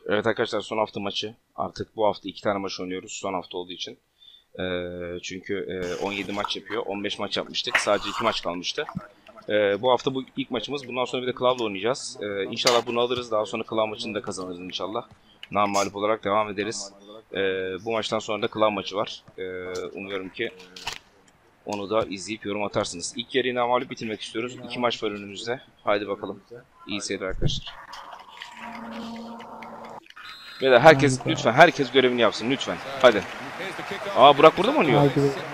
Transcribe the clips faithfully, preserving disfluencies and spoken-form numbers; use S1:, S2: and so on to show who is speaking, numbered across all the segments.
S1: Evet arkadaşlar, son hafta maçı. Artık bu hafta iki tane maç oynuyoruz son hafta olduğu için. Ee, çünkü e, on yedi maç yapıyor. on beş maç yapmıştık. Sadece iki maç kalmıştı. Ee, bu hafta bu ilk maçımız. Bundan sonra bir de Cloud'la oynayacağız. Ee, inşallah bunu alırız. Daha sonra Cloud maçını da kazanırız inşallah. Namağlup olarak devam ederiz. Ee, bu maçtan sonra da Cloud maçı var. Ee, umuyorum ki onu da izleyip yorum atarsınız. İlk yarıyı namağlup bitirmek istiyoruz. İki maç var önümüzde. Haydi bakalım. İyi seyirler arkadaşlar. Beyler herkes lütfen herkes görevini yapsın lütfen. Hadi. Aa, Burak burada mı oynuyor?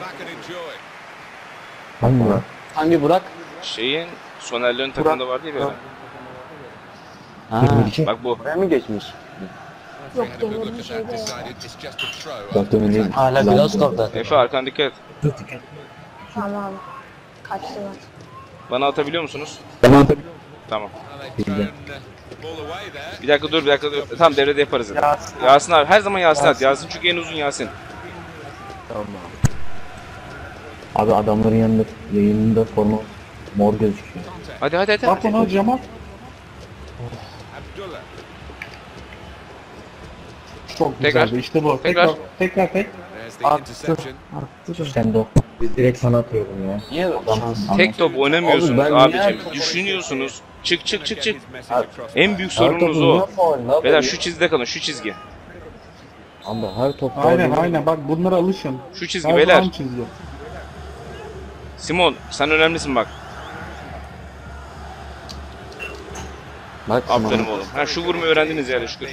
S2: Hangi Burak?
S3: Hangi Burak?
S1: Şeyin Soner'lerin takımında vardı ya bir ara.
S3: Ha,
S1: Bak bu.
S3: buraya mı geçmiş?
S4: Yok, demirli şeyde ya.
S2: Bak demin değil.
S3: Hala Glasgow'da.
S1: Efe, arkana dikkat et.
S4: Tamam. Kaçtılar.
S1: Bana atabiliyor musunuz?
S2: Ben atabiliyorum.
S1: Tamam.
S2: Bildim.
S1: Bir dakika dur bir dakika dur. Tamam, devrede yaparız zaten. Yasin, Yasin abi her zaman Yasin at. Yasin çünkü en uzun Yasin.
S2: Tamam abi. Abi adamların yanında yayınında forma mor gözüküyor.
S1: Hadi hadi hadi.
S5: Bak ona Cemal. Çok
S1: Tekrar.
S5: güzeldi. İşte bu.
S1: Tekrar.
S5: Tekrar. Tekrar tek.
S4: Attı. Attı da.
S2: Sen de o. Biz direkt sana atıyorum ya.
S3: Niye şans?
S1: Tek top oynamıyorsunuz
S3: Oğlum ben
S1: abicim.
S3: niye-
S1: Düşünüyorsunuz. Çık çık çık çık.
S3: Abi,
S1: En büyük
S3: her
S1: sorununuz
S3: topu
S1: o.
S3: niye faul lan?
S1: Beyler şu çizgide kalın, şu çizgi.
S2: Abi her top
S5: Aynen aynen. Bak bunlara alışın.
S1: Şu çizgi
S5: Her
S1: beyler.
S5: zaman çizgi.
S1: Simon sen önemlisin bak.
S3: Bak
S1: Aferin oğlum. Ha, şu vurmayı öğrendiniz yani şükür.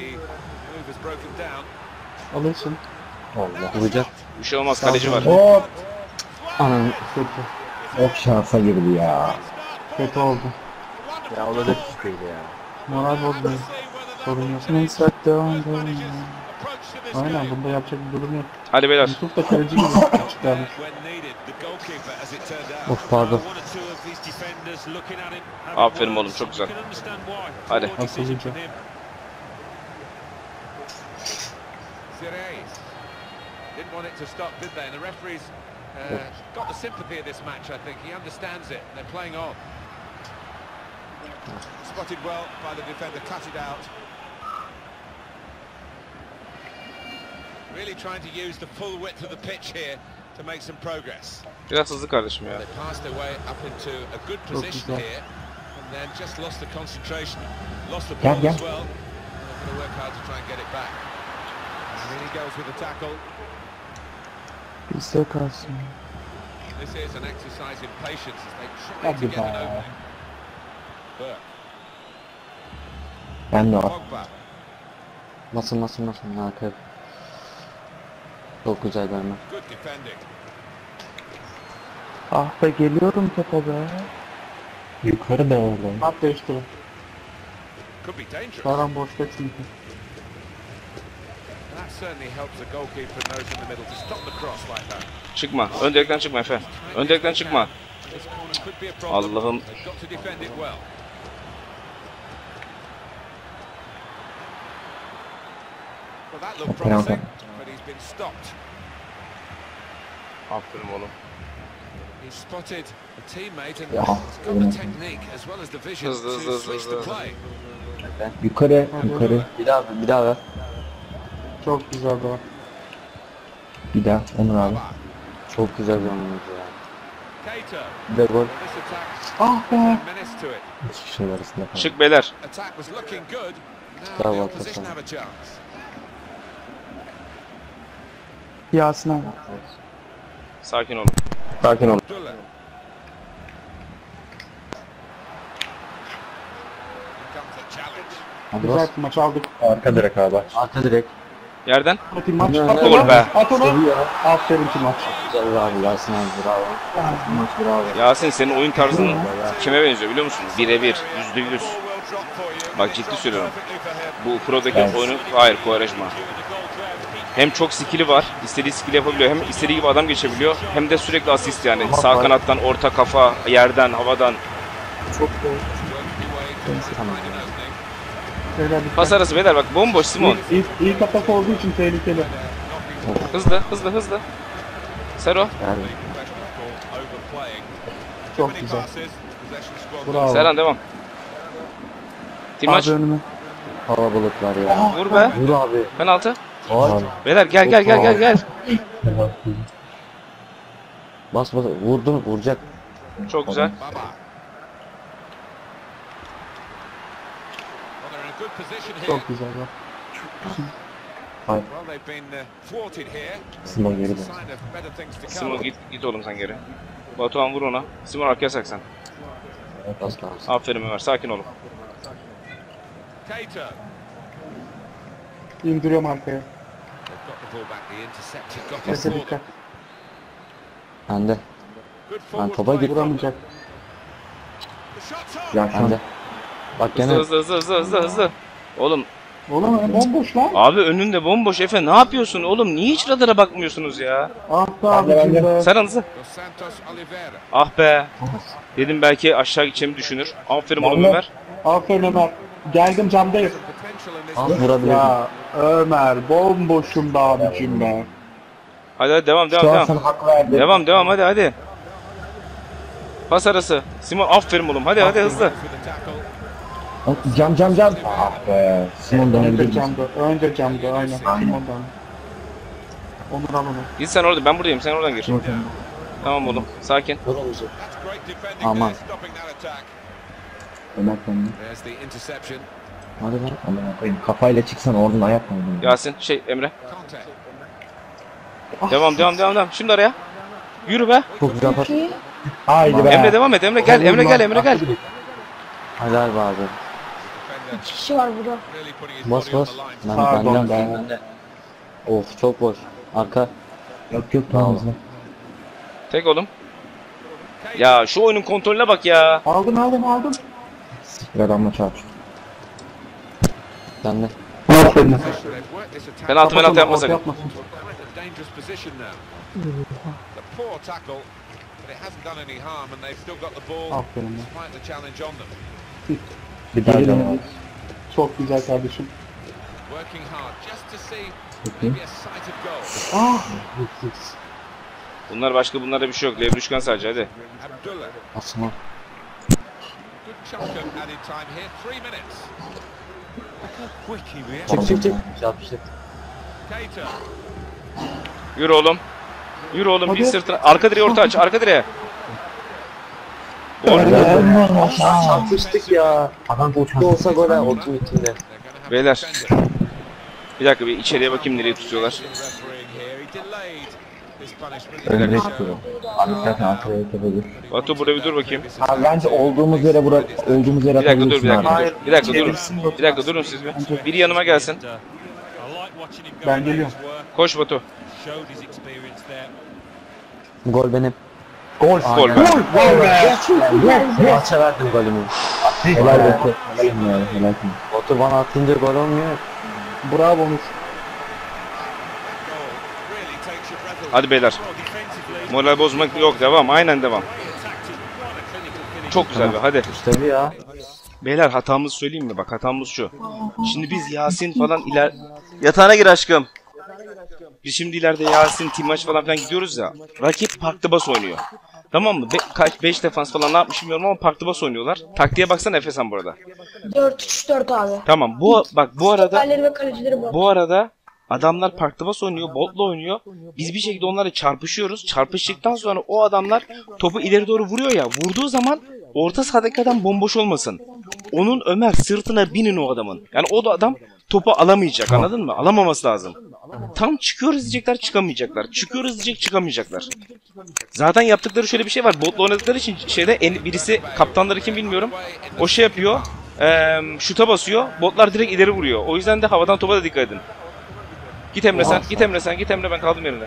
S5: Alışın.
S2: Allah.
S3: vuracak.
S1: Bir şey olmaz, kaleci var.
S2: Hop.
S3: Anam.
S5: Kötü.
S2: Of şansa girdi ya.
S5: Kötü oldu.
S3: Ya o da düştüydü ya.
S5: Moral bozmayın. Sorun yok.
S4: Neyse devam devam.
S5: Aynen, bunda yapacak bir durum yok.
S1: Hadi beyler.
S5: Yusuf da kaleci gibi çıkarmış.
S3: Of pardon.
S1: Aferin oğlum, çok güzel. Hadi.
S5: Akıllıca.
S6: Didn't want it to stop, did they? And the referee's uh, got the sympathy of this match, I think. He understands it. They're playing on. Spotted well by the defender, cut it out. Really trying to use the full width of the pitch here to make some progress.
S1: Biraz hızlı kardeşim ya.
S6: They passed their way up into a good position here, and then just lost the concentration, lost the
S2: Gel,
S6: ball
S2: gel.
S6: as well. They're going to work hard to try and get it back. And in he goes with the tackle.
S4: Bizde kalsın.
S6: This is an exercise in patience as they try
S5: Hadi
S6: to get an
S5: be.
S6: opening. Burke,
S2: Ben de var.
S6: Pogba,
S3: Nasıl nasıl nasıl? Harika. Çok güzel verme.
S6: good defending.
S4: Ah be, geliyorum topa be.
S2: Yukarı be oğlum.
S5: At değiştirin.
S6: Could be dangerous.
S5: Karan boşta çünkü.
S6: That certainly helps the goalkeeper and those in the middle to stop the cross like that.
S1: Çıkma. Ön direkten çıkma Efe. Ön direkten çıkma.
S6: This corner could be a problem.
S1: Allah'ım.
S6: They've got to defend it well. Well, that looked promising, but he's been stopped.
S1: Aferin oğlum.
S6: He's spotted a teammate and
S2: Ya,
S6: he's got the technique as well as the vision
S1: Hızlı, hızlı,
S6: to
S1: hızlı,
S6: switch the
S1: hızlı.
S6: play.
S2: Yukarı yukarı.
S3: Bir daha bir daha ver.
S5: Çok güzel bu.
S2: Bir daha Onur abi.
S3: Çok güzel bir oyuncu ya.
S6: Keita,
S3: Bir de gol.
S6: this attack,
S5: Ah be.
S6: menace to it.
S2: İki kişiler arasında kaldı.
S1: Çık beyler.
S6: Attack was looking good. Now
S3: Bravo,
S6: the opposition
S3: Hasan.
S6: have a chance.
S4: Yasin abi.
S1: Sakin olun.
S2: Sakin ol.
S6: Abdullah. Here comes a challenge.
S3: Hadi
S5: Güzel
S3: bas.
S5: bir maç aldık.
S2: Arka direk abi.
S3: Arka direkt.
S1: Yerden.
S5: Hadi maç.
S3: Ne-
S5: At
S1: Gol
S5: onu.
S1: be.
S5: At onu. Aferin ki maç.
S3: Güzel abi Yasin abi bravo. Maç bravo.
S1: Yasin, senin oyun tarzın kime benziyor biliyor musun? Birebir. Yüzde yüz.
S6: Ball will drop for you.
S1: Bak ciddi söylüyorum.
S6: Perfectly for him.
S1: Bu Pro'daki
S2: Evet.
S1: oyunu hayır Quaresma. Hem çok skill'i var, istediği skill yapabiliyor, hem istediği gibi adam geçebiliyor, hem de sürekli asist yani. Sağ kanattan, orta kafa, yerden, havadan.
S3: Tamam.
S5: Beyler dikkat.
S1: Pas arası beyler, bak bomboş Simon.
S5: İyi, iyi, iyi kapak olduğu için tehlikeli.
S1: Hızlı, hızlı, hızlı. Sero,
S3: Yani
S6: Overplaying.
S5: Çok
S6: Many
S5: güzel.
S6: passes, possession squandered.
S5: Bravo.
S1: Serhan devam. Timaç,
S4: Abi önüme.
S3: kalabalıklar ya.
S1: Vur be.
S3: Vur abi.
S1: Penaltı.
S3: Ay.
S1: Beyler gel gel gel gel gel.
S3: Bas bas vurdun vuracak.
S1: Çok güzel.
S6: Baba. Well, they're in a good position here.
S5: Çok güzel bak.
S6: Well, they've been uh, thwarted here.
S2: Simon geri
S6: It's a
S2: dön.
S6: sign of better things to come.
S1: Simon git git oğlum sen geri. Batuhan vur ona. Simon arkaya sak sen.
S3: Bas bas.
S1: Aferin Ömer, sakin olun.
S6: Keita.
S5: İndiriyorum arkaya.
S6: They've got the ball back. The interceptor got it
S5: Neyse
S6: for
S5: dikkat.
S6: them.
S3: Bende.
S6: Good
S3: Ben
S6: forward
S3: topa
S6: play
S3: git.
S6: from them.
S5: Vuramayacak.
S6: The shot's on.
S2: Ya şu an
S3: Bende. Bak gene
S1: Hızlı hızlı hızlı hızlı hızlı. Oğlum
S5: Oğlum ya bomboş lan.
S1: abi önünde bomboş Efe, ne yapıyorsun oğlum? Niye hiç radara bakmıyorsunuz ya?
S5: Ah be abicim be.
S1: Sen hızlı.
S6: Dos Santos Oliveira.
S1: Ah be. Dedim belki aşağı gideceğimi düşünür. Aferin oğlum
S5: Vallahi-
S1: Ömer.
S5: Aferin Ömer. Geldim camdayım.
S6: Potential in this
S3: al
S6: game.
S3: vurabilirim.
S5: Ya Ömer bomboşum be abicim be.
S1: Hadi hadi devam devam
S2: şu an
S1: devam.
S2: sana hak verdim.
S1: Devam devam hadi hadi. Pas arası. Simon aferin oğlum. Hadi hadi hızlı.
S6: With the tackle.
S2: Cam cam cam. Ah be. Simon dönebilir
S5: Önce
S2: misin?
S5: camda. Önce camda aynen. Simon'dan. Onur al onu.
S1: Git sen orada, ben buradayım, sen oradan gir.
S2: Simon sen.
S1: Tamam oğlum, sakin.
S3: Vur oğlum.
S6: That's great defending
S3: Aman.
S6: there, stopping that attack.
S2: Ömer kendini.
S6: There's the interception.
S3: Hadi lan.
S2: Aman koyayım. Kafayla çıksan oradan ayak mı oğlum?
S1: Yasin, şey Emre.
S6: Conte.
S1: Devam devam devam devam. Şimdi araya. Yürü be.
S3: Çok güzel pas.
S2: Haydi be.
S1: Emre devam et. Emre gel. Emre gel. Emre gel.
S3: Helal be abi.
S6: Defender
S7: İki kişi var burada.
S6: really putting his
S3: Bas
S6: body on
S3: bas.
S6: the line.
S3: Ben,
S5: Pardon
S3: benden,
S5: be.
S3: benden. Of çok boş. Arka.
S2: Yok yok tamam hızlı.
S1: Tek oğlum. Ya şu oyunun kontrolüne bak ya.
S5: Aldım aldım aldım.
S2: Bir adamla çarpıştı.
S3: Bende.
S5: Aferin.
S6: They've worked this attack.
S1: Penaltı penaltı yapmasak.
S5: Yapmasın.
S6: A dangerous position now. The poor tackle, but it hasn't done any harm, and they've still got the ball
S5: Aferin ya.
S6: despite the challenge on them.
S2: Bir daha
S5: Geri
S2: cam.
S5: dön. Çok güzel kardeşim.
S6: Working hard just to see maybe a sight of goal.
S5: Ah.
S1: Bunlar başka, bunlarda bir şey yok. Levruşkan sadece hadi.
S6: Abdullah,
S3: Asma.
S6: good chunk of added time here. Three minutes. Look how quick he reacts.
S3: Çık çık çık. Yapıştık.
S6: Keita.
S1: Yürü oğlum. Yürü oğlum, bir
S5: Hadi.
S1: sırtına. Arka direğe orta aç. Arka direğe. Gol.
S3: Çarpıştık ya. Adam uçtu olsa gol ha. Otu içinde.
S6: They're going to have
S1: Beyler.
S6: a defender.
S1: Bir dakika, bir içeriye bakayım nereye tutuyorlar.
S6: Refereeing here. He delayed his punishment.
S2: Önüne
S6: He
S2: çıkıyor. Abi zaten arkaya tepedir.
S1: Batu burada bir dur bakayım.
S2: Abi bence olduğumuz yere bura olduğumuz yere
S1: Bir dakika dur, bir
S2: atabilirsin
S1: dakika
S2: abi.
S1: dur. Bir dakika durun. Bir dakika durun siz bir. Biri yanıma gelsin.
S5: Ben geliyorum.
S1: Koş Batu.
S3: Gol benim.
S2: Gol.
S1: Gol be.
S5: Gol be.
S3: Maça verdim golümü.
S2: Helal olsun. Helal ya. Helal olsun.
S3: Otu bana atınca gol olmuyor.
S5: Bravo Onur.
S6: Really takes your breath away.
S1: Hadi beyler. Moral bozmak yok, devam. Aynen devam. Çok güzel be, hadi.
S3: İşte bu ya.
S1: Beyler hatamızı söyleyeyim mi? Bak hatamız şu. Şimdi biz Yasin falan iler... Yatağına gir aşkım. Biz şimdi ileride Yasin, Timaç falan filan gidiyoruz ya. Rakip parkta bas oynuyor. Tamam mı? Be kaç beş defans falan ne yapmış bilmiyorum ama parkta bas oynuyorlar. Taktiğe baksana Efe sen burada.
S7: dört üç dört abi.
S1: Tamam. Bu bak bu arada
S7: Stoperleri ve kalecileri bu.
S1: bu arada adamlar parkta bas oynuyor, botla oynuyor. Biz bir şekilde onlarla çarpışıyoruz. Çarpıştıktan sonra o adamlar topu ileri doğru vuruyor ya. Vurduğu zaman orta sahadaki adam bomboş olmasın. Onun Ömer sırtına binin o adamın. Yani o da adam topu alamayacak, anladın mı? Alamaması lazım. Tam çıkıyoruz diyecekler, çıkamayacaklar. Çıkıyoruz diyecek, çıkamayacaklar. Zaten yaptıkları şöyle bir şey var. Botla oynadıkları için şeyde en, birisi, kaptanları kim bilmiyorum. O şey yapıyor. Eee şuta basıyor. Botlar direkt ileri vuruyor. O yüzden de havadan topa da dikkat edin. Git Emre sen, git Emre sen, git Emre, ben kaldım yerine.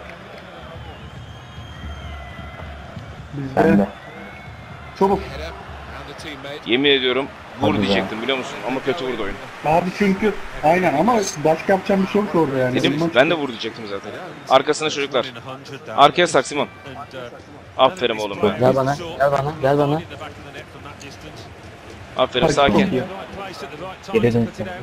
S2: Ben
S5: Bizde
S2: de.
S5: çabuk.
S6: Header and the teammate.
S1: Yemin ediyorum vur
S2: Hadi be.
S1: diyecektim biliyor musun? Ama kötü vurdu oyun.
S5: Abi çünkü aynen ama başka yapacağım bir şey yok orada yani.
S1: Dedim
S5: Bundan-
S1: ben de vur diyecektim zaten. Arkasına çocuklar. Arkaya sak Simon. Aferin oğlum be.
S3: Gel bana. Gel bana. Gel bana.
S1: Aferin,
S5: Çok
S1: sakin.
S5: iyi.
S2: Geri dön sen.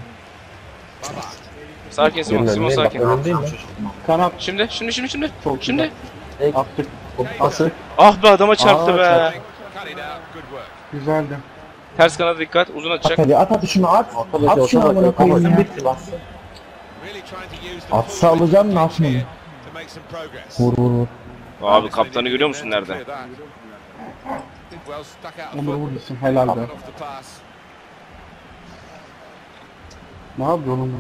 S1: Sakin Simon, Simon sakin.
S2: Önündeyim mi?
S5: Kanat
S1: Şimdi, şimdi, şimdi, şimdi.
S5: çok
S1: Şimdi.
S5: güzel. Attık.
S3: Pası.
S1: Ah be, adama çarptı
S3: Aa,
S1: be.
S3: çarptı.
S6: Cut it out. Good work.
S5: Güzeldi.
S1: Ters kanada dikkat. Uzun
S2: At
S1: atacak.
S2: hadi at at şunu at. At şunu amına koyayım ya.
S6: Really trying to use the
S2: Atsa alacağım ne yapayım?
S6: to make some progress.
S2: Vur vur vur.
S1: Abi kaptanı görüyor musun nerede?
S6: Clear that. Did well, stuck out
S5: Onur
S6: of
S5: vur gitsin. Helal be.
S6: off the pass.
S5: Ne yapıyor oğlum?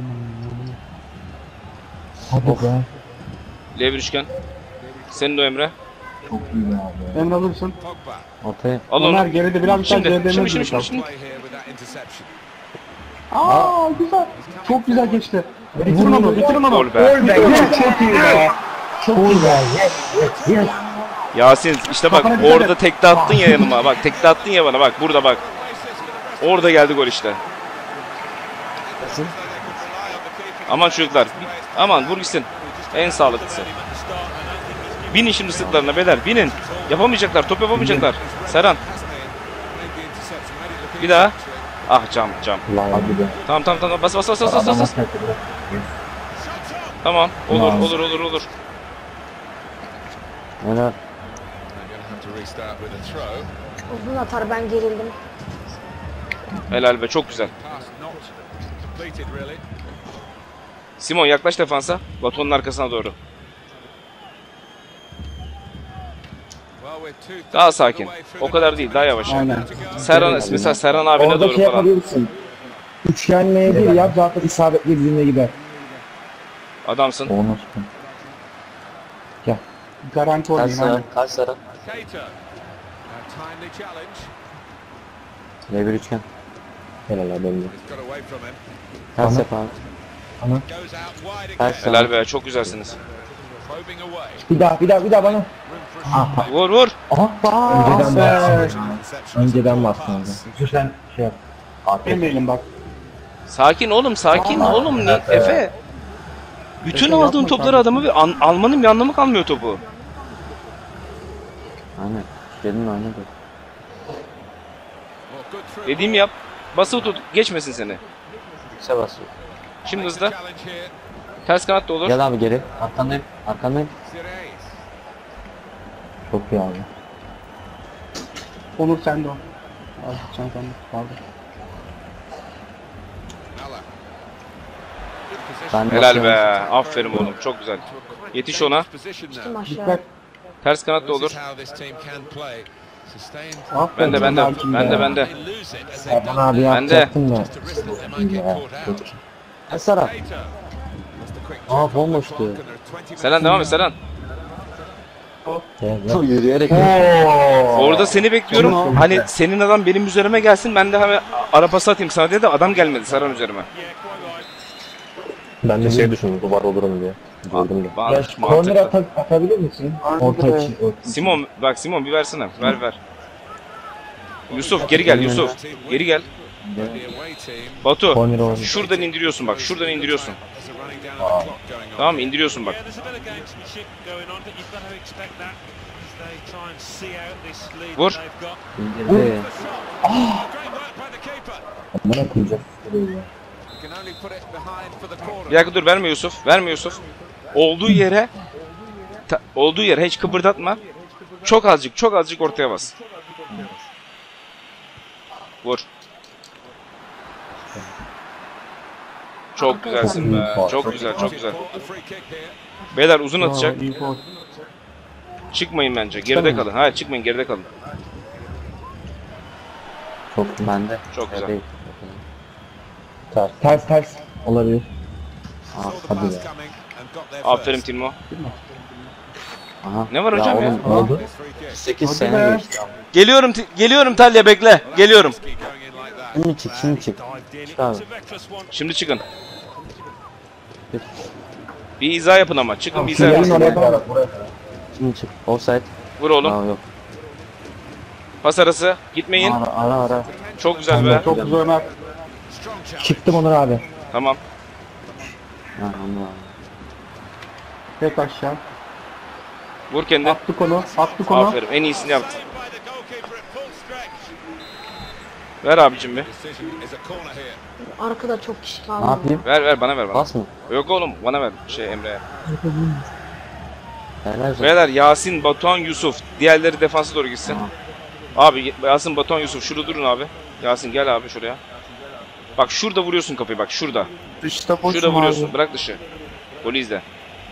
S2: Hadi be.
S1: L bir üçgen. Senin de o Emre.
S5: Emre alırsın.
S6: Pogba.
S1: Al
S5: Ömer
S1: onu.
S5: geride biraz daha
S1: Şimdi,
S5: geride
S1: şimdi,
S5: Emre
S1: şimdi,
S5: duracak.
S1: şimdi.
S6: Play here with that interception.
S5: Aa güzel. Çok güzel geçti. Bitirin onu, bitirin onu.
S1: Gol be.
S2: Çok iyi be. Çok iyi be. Yes yes yes.
S1: Yasin işte bak
S5: Kafana dikkat
S1: orada
S5: et.
S1: tekte attın ya yanıma. Bak tekte attın ya bana. Bak burada bak. Orada geldi gol işte. Aman çocuklar. Aman vur gitsin. En sağlıklısı. Binin şimdi sırtlarına beyler. Binin. Yapamayacaklar. Top yapamayacaklar. Serhan. Bir daha. Ah cam cam.
S2: Lan hadi be.
S1: Tamam tamam tamam. Bas bas bas bas bas.
S2: Adam
S1: bas.
S2: atmadı.
S1: Tamam. Olur
S2: Tamam.
S1: olur olur olur.
S2: Helal.
S6: They're going to have to restart with a throw.
S7: Uzun atar ben gerildim.
S1: Helal be çok güzel.
S6: Pass not completed really.
S1: Simon yaklaş defansa. Batu'nun arkasına doğru.
S6: Well, we're two
S1: Daha sakin. O kadar değil. Daha yavaş.
S5: Aynen.
S1: Serhan mesela Serhan abine
S2: Orada
S1: doğru
S2: şey
S1: falan.
S2: yapabilirsin. Üçgenleye bir yap zaten isabetli birbirine gider.
S1: Adamsın.
S2: Onu
S5: Garanti oynayın. Aynen.
S3: Kayseri.
S6: Keita. A timely challenge.
S2: Ne bir üçgen. Helal abi benim.
S6: He's got away from him.
S2: Ters yap abi.
S6: Goes out wide again.
S1: Helal be çok güzelsiniz.
S6: Probing away.
S2: Bir daha bir daha bir daha bana.
S6: Room for a
S1: Vur vur.
S2: Önceden bastın.
S6: interception.
S2: Önceden bastın. Sen şey yap.
S5: Yemeyelim bak.
S1: Sakin oğlum sakin oğlum. Ne? Efe. Bütün
S5: Efe
S1: aldığın
S5: yapma
S1: topları
S5: kardeşim.
S1: adamı bir an, almanın bir anlamı kalmıyor topu.
S2: Aynen. Dedin oynadı.
S6: Well, good through
S1: Dediğimi yap. Basılı tut. Geçmesin seni.
S3: Yüksel basıyor.
S1: Şimdi
S6: ball.
S1: hızlı.
S6: Challenge here.
S1: Ters kanat da olur.
S2: Gel abi geri. Arkandayım. Arkandayım.
S6: Zirez.
S2: Çok iyi abi.
S5: Onur sende o. Al çantanı. Pardon.
S6: Nala. Good position.
S2: Ben
S1: Helal be. Aferin oğlum. Çok güzel. Yetiş ona.
S6: Position
S7: Kim
S6: now.
S7: aşağı?
S5: Dikkat.
S1: Ters kanat da
S6: This
S1: olur.
S6: is how this team can play. Sustained.
S5: Aferin
S1: Bende bende.
S5: Ömerciğim
S1: Bende
S5: ya.
S1: bende.
S6: They lose it as they've
S2: Erman
S6: done.
S2: abi
S1: Ben de.
S2: yapacaktım da.
S6: Just a risk that they might get caught out.
S2: Esara.
S6: Keita. Just a quick check
S2: Aa,
S6: on the
S2: bomboştu.
S6: clock and there are twenty minutes
S1: Serhan devam et Serhan.
S2: Yürüyerek.
S1: Orada seni bekliyorum.
S5: Tamam.
S1: Hani senin adam benim üzerime gelsin. Ben de hemen arabası atayım sana diye de adam gelmedi Serhan üzerime.
S2: Ben de şey düşündüm duvar olurum diye. Gördüm de.
S1: Bana
S2: Ya korner
S1: mantıklı.
S2: ata atabilir misin? Orta için.
S1: Simon bak Simon bir versene. Ver ver. Yusuf geri gel Yusuf. Geri gel.
S6: the away team.
S1: Batu.
S2: Korner oynuyor.
S1: Şuradan indiriyorsun bak. Şuradan indiriyorsun.
S6: There's a running down of the clock going on.
S1: Tamam mı? İndiriyorsun bak.
S8: Yeah, there's a bit of gamesmanship going on, but you've got to expect that as they try and see out this lead
S1: Vur.
S8: that they've got.
S2: İndirdi.
S6: The shot. Great work by the keeper.
S2: Bana koyacak.
S6: Can only put it behind for the corner.
S1: Bir dakika dur verme Yusuf. Verme Yusuf. Olduğu yere ta- olduğu yere hiç kıpırdatma. Çok azıcık çok azıcık ortaya bas. Vur. Çok güzelsin be. Çok güzel çok güzel.
S6: Caught the free kick here.
S1: Beyler uzun atacak.
S5: Bravo, iyi gol.
S1: Çıkmayın bence. Geride kalın. Hayır çıkmayın geride kalın.
S2: Çok bende.
S1: Çok güzel.
S2: Ters ters ters. Olabilir. Aa,
S6: Saw the
S2: hadi
S6: pass
S2: ya.
S6: coming and got there
S1: Aferin
S6: first.
S1: Timo.
S2: Aha.
S1: Ne var hocam ya?
S2: oğlum, ne oldu?
S6: This free kick.
S3: sekiz
S5: Hadi
S3: sene
S5: be.
S3: geçti.
S1: Geliyorum Ti- geliyorum Talya bekle. Geliyorum.
S6: Risky going in like that.
S2: Şimdi çık şimdi çık.
S8: Dived in.
S2: Çık abi.
S8: It's a reckless one.
S1: Şimdi çıkın. Bir izah yapın ama. Çıkın bir izah
S2: Gelin
S1: yapın.
S2: oraya kadar. Şimdi çık. Offside.
S1: Vur oğlum.
S2: Aa yok.
S1: Pas arası. Gitmeyin.
S2: Ara ara ara.
S1: Çok güzel be.
S5: Çok güzel Ömer.
S6: Strong challenge.
S2: Çıktım Onur abi.
S1: Tamam.
S2: Ha anladım.
S5: Tek aşağı.
S1: Vur kendini.
S5: Attık onu. Attık onu.
S1: Aferin. En iyisini yaptın.
S6: Saved by the goalkeeper at full stretch.
S1: Ver abicim bir.
S6: Decision is a corner here.
S7: Arkada çok kişi
S2: Ne
S7: kaldı.
S2: yapayım?
S1: Ver ver bana ver bana.
S2: Bas mı?
S1: Yok oğlum bana ver şey Emre'ye.
S2: Helal olsun.
S1: Beyler Yasin, Batuhan, Yusuf. Diğerleri defansa doğru gitsin. Abi Yasin, Batuhan, Yusuf şurada durun abi. Yasin gel abi şuraya. Bak şurada vuruyorsun kapıyı bak şurada.
S4: Dışta boşum
S1: Şurada vuruyorsun.
S4: abi.
S1: Bırak dışı. Golü izle.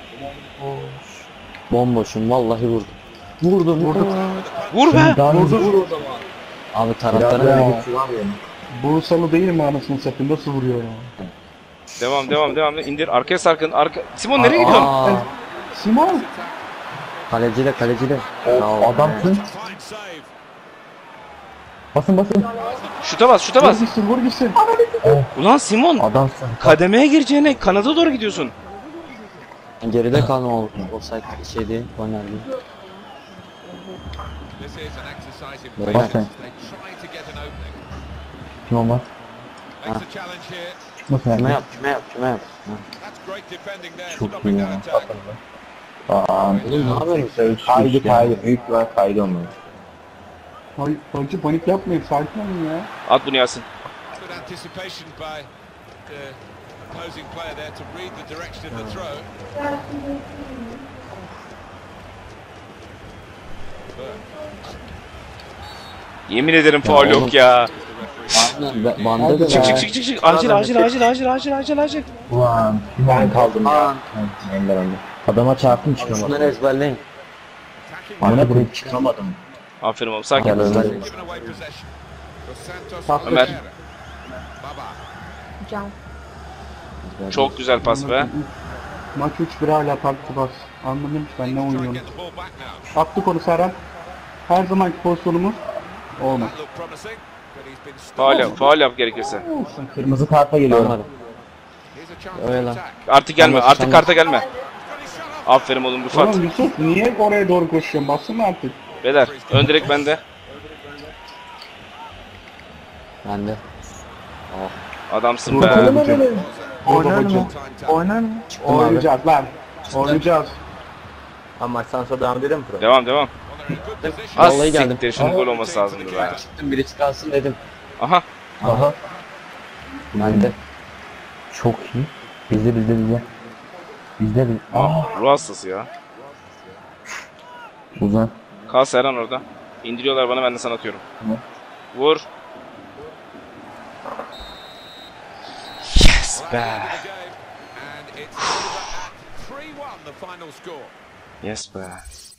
S3: Bomboşum vallahi vurdum. Vurdum vurdum.
S1: Vur be.
S2: Daha
S5: Vurdu vur o zaman.
S3: Abi
S2: Biraz
S3: taraftarın
S2: daha
S3: ne
S2: güçlü var ya.
S5: Bursalı değil mi anasını satayım? Nasıl vuruyor ya?
S1: Devam devam devam. İndir. Arkaya sarkın. Arka... Simon nereye gidiyorsun?
S3: Aa,
S5: Simon.
S3: kaleciyle kaleciyle.
S2: O adamsın.
S6: Fine save.
S2: Basın basın.
S1: Şuta bas şuta
S5: Vur
S1: bas.
S5: gitsin vur gitsin.
S1: Ulan Simon.
S2: Adamsın.
S1: Kademeye gireceğine kanada doğru gidiyorsun.
S3: Geride kalma oldu. O say şey değil, oynar değil.
S6: This is an exercise in
S3: Bak
S6: patience.
S2: sen.
S6: They try to get an opening.
S2: Kim olmaz?
S6: Makes a challenge here.
S2: Nasıl
S3: Kime
S2: yani?
S3: yap, kime yap, kime yap. Ha.
S6: That's great defending there,
S2: Çok
S6: stopping
S2: iyi
S6: that
S2: ya.
S6: attack.
S2: Aa,
S3: Oğlum ne yapıyorsun?
S2: kaydı kaydı. Büyük bir kaydı olmalı.
S5: Hay, hacı panik yapmayın sakin olun ya.
S1: At bunu Yasin.
S6: Good anticipation by the opposing player there to read the direction of the throw.
S1: Yemin ederim faul
S3: oğlum.
S1: yok ya.
S3: Aynen, be- bende de
S1: Çık çık
S3: var.
S1: çık çık çık. Acil acil acil acil acil acil acil.
S2: Ulan ben kaldım ya. Ender ender. Adama çarptım çıkamadım.
S3: Şunları ezberleyin.
S2: Bana buraya çıkamadım.
S1: Aferin oğlum sakin.
S3: Gel ezberleyin.
S6: Given away possession. Dos Santos
S5: Pas
S6: Oliveira.
S1: Ömer.
S6: Baba.
S7: Can.
S1: Çok güzel pas be.
S5: Maç üç bir hala takip bas. Anladım ki ben ne
S6: Try and
S5: oynuyorum.
S6: get the ball back now.
S5: Attık onu Serhan. Her zamanki pozisyonumuz. Olmaz.
S6: That looked promising, but he's been
S1: Faul
S6: stopped.
S1: yap, faul yap gerekirse.
S2: Kırmızı karta geliyorum.
S3: Anladım.
S6: Here's a chance
S3: Öyle
S6: to
S3: lan.
S6: attack.
S1: Artık gelme,
S3: Tamam,
S1: artık
S3: tamam.
S1: karta gelme.
S6: Got his shot off.
S1: Aferin oğlum Rıfat.
S5: Oğlum Yusuf niye oraya doğru koşuyorsun? Bassana artık.
S1: Beyler, ön direk bende.
S3: Bende.
S1: Adamsın
S5: Bakalım
S1: be.
S5: hadi. Orada
S4: Oynar
S5: hocam.
S4: mı? Oynar mı?
S5: Oynayacağız lan. Oynayacağız.
S2: Ama maçtan sonra devam edelim pro.
S1: Devam devam.
S6: Well, they're in good position.
S1: Az
S3: Vallahi geldim.
S1: siktir, şunun gol olması lazımdı be.
S3: Çıktım biri çıkarsın dedim.
S1: Aha.
S2: Aha.
S3: Bende.
S2: Çok iyi. Bizde bizde bizde. Bizde bizde.
S1: Ah, ruh hastası ya.
S2: Uzan.
S1: Kal Serhan orada. İndiriyorlar bana, ben de sana atıyorum.
S2: Tamam.
S1: Vur. Yes be.
S6: The game, and it's over at three one, the final score.
S1: Yes be.